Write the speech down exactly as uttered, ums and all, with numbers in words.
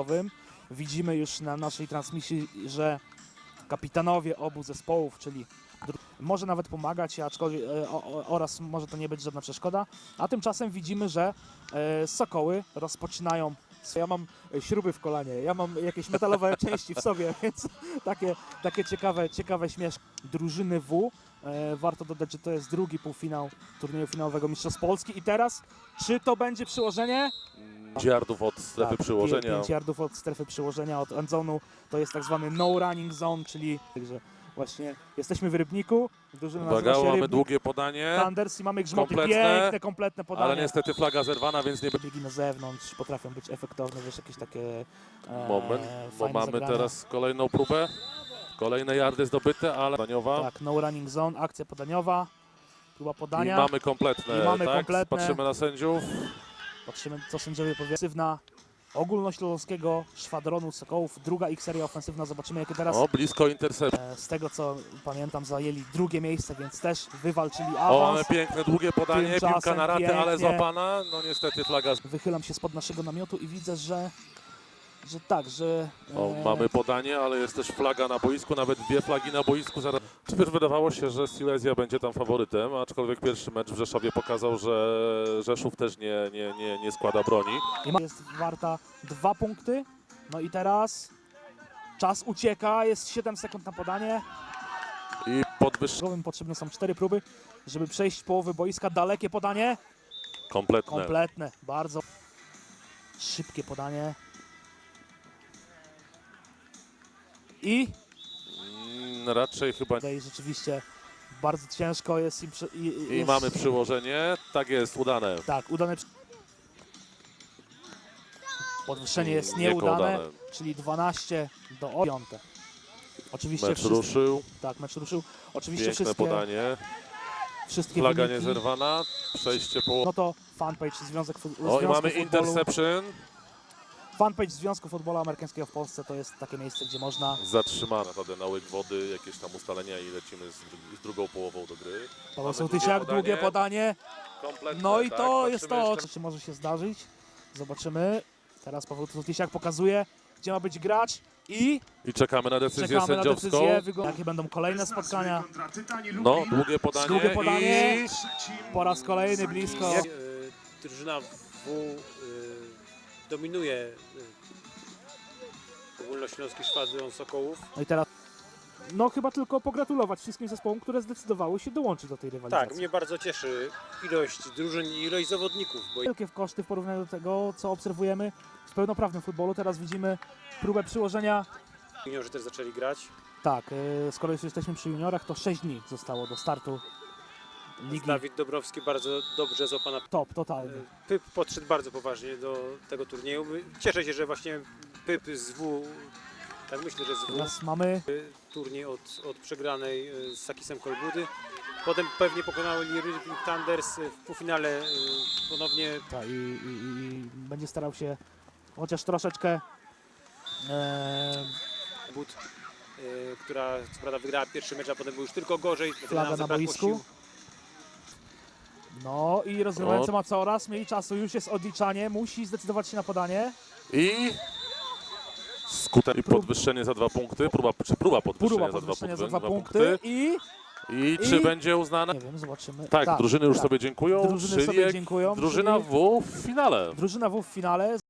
finałowym. Widzimy już na naszej transmisji, że kapitanowie obu zespołów, czyli może nawet pomagać, aczkolwiek e, o, oraz może to nie być żadna przeszkoda. A tymczasem widzimy, że e, Sokoły rozpoczynają. Ja mam śruby w kolanie, ja mam jakieś metalowe części w sobie, więc takie, takie ciekawe, ciekawe śmieszki. Drużyny W. E, warto dodać, że to jest drugi półfinał turnieju finałowego Mistrzostw Polski. I teraz, czy to będzie przyłożenie? pięć yardów od strefy Tak, przyłożenia. pięć yardów od strefy przyłożenia, od endzonu. To jest tak zwany no running zone, czyli także właśnie jesteśmy w Rybniku. Drużyna Uwaga, nazywa się mamy Rybnik długie podanie, Thunders i mamy grzmoty. kompletne, Piękne, kompletne podanie. ale niestety flaga zerwana, więc nie będzie. Biegi na zewnątrz potrafią być efektowne, wiesz, jakieś takie e, Moment, bo fajne mamy zagrania. teraz kolejną próbę. Kolejne yardy zdobyte, ale podaniowa. Tak, no running zone, akcja podaniowa, próba I podania. mamy kompletne, I mamy tak? kompletne. Patrzymy na sędziów. Patrzymy, co sędziowie powiedzą. Ofensywna ogólnośląskiego szwadronu Sokołów, druga ich seria ofensywna. Zobaczymy, jakie teraz, O, blisko intercept. e, z tego co pamiętam, zajęli drugie miejsce, więc też wywalczyli O, awans. mamy piękne, długie podanie, Tymczasem piłka na ratę, pięknie. ale złapana. No niestety flaga. Wychylam się spod naszego namiotu i widzę, że, że tak, że... O, e, mamy podanie, ale jest też flaga na boisku, nawet dwie flagi na boisku. Zaraz. Przecież wydawało się, że Silesia będzie tam faworytem, aczkolwiek pierwszy mecz w Rzeszowie pokazał, że Rzeszów też nie, nie, nie, nie składa broni. I ma- jest warta dwa punkty. No i teraz czas ucieka, jest siedem sekund na podanie. I podwyższone Potrzebne są cztery próby, żeby przejść połowy boiska. Dalekie podanie, kompletne. kompletne, bardzo szybkie podanie. I Mm, raczej chyba. tutaj rzeczywiście bardzo ciężko jest im przy, i, i, I jest, mamy przyłożenie. Tak jest, udane. Tak, udane. przy- Podwyższenie jest Nieudane. nieudane, czyli dwanaście do piąte. Oczywiście Mecz wszystkie, ruszył. tak, mecz ruszył. Oczywiście Piękne wszystkie, podanie. wszystkie Flaga wyniki. niezerwana. Przejście po. No to fanpage Związek Fu- O, i Związku mamy Futbolu. interception. Fanpage Związku Futbolu Amerykańskiego w Polsce to jest takie miejsce, gdzie można. Zatrzymana naprawdę na łyk wody, jakieś tam ustalenia i lecimy z, dru- z drugą połową do gry. Paweł Mamy Sołtysiak, długie długie podanie. Kompletne, No i tak, to patrzymy jest to, jeszcze- czy może się zdarzyć. Zobaczymy. Teraz Paweł Sołtysiak pokazuje, gdzie ma być gracz i I czekamy na decyzję czekamy na sędziowską. decyzję. Wygląda- Jakie będą kolejne spotkania. No, długie podanie. Długie podanie. I Po raz kolejny blisko. E, Drużyna W e, dominuje e, ogólnośląski szwadron Sokołów. No i teraz, no chyba tylko pogratulować wszystkim zespołom, które zdecydowały się dołączyć do tej rywalizacji. Tak, mnie bardzo cieszy ilość drużyn i ilość zawodników, bo Wielkie koszty w porównaniu do tego, co obserwujemy w pełnoprawnym futbolu. Teraz widzimy próbę przyłożenia. juniorzy też zaczęli grać. Tak, yy, skoro już jesteśmy przy juniorach, to sześć dni zostało do startu ligi. Dawid Dobrowski bardzo dobrze złapana. Top, totalny. Pyp podszedł bardzo poważnie do tego turnieju. Cieszę się, że właśnie Pyp z W, tak myślę, że z W, Teraz mamy, turniej od, od przegranej e, z Sakisem Kolbudy. Potem pewnie pokonały Rybnik Thunders w półfinale e, ponownie. ta, i, i, i będzie starał się chociaż troszeczkę e, But, e, która co prawda wygrała pierwszy mecz, a potem był już tylko gorzej. flaga na Zabrakło boisku. sił. No i rozgrywający O. ma coraz mniej czasu, już jest odliczanie, musi zdecydować się na podanie. I skutek i podwyższenie za dwa punkty. Próba, czy próba podwyższenia, Próba za, dwa podwyższenia punkty, za dwa punkty i I, i- czy będzie uznane? nie wiem, zobaczymy. Tak, drużyny już tak. sobie dziękują. Drużyny czyli sobie dziękują, drużyna czyli- W w finale. Drużyna W w finale.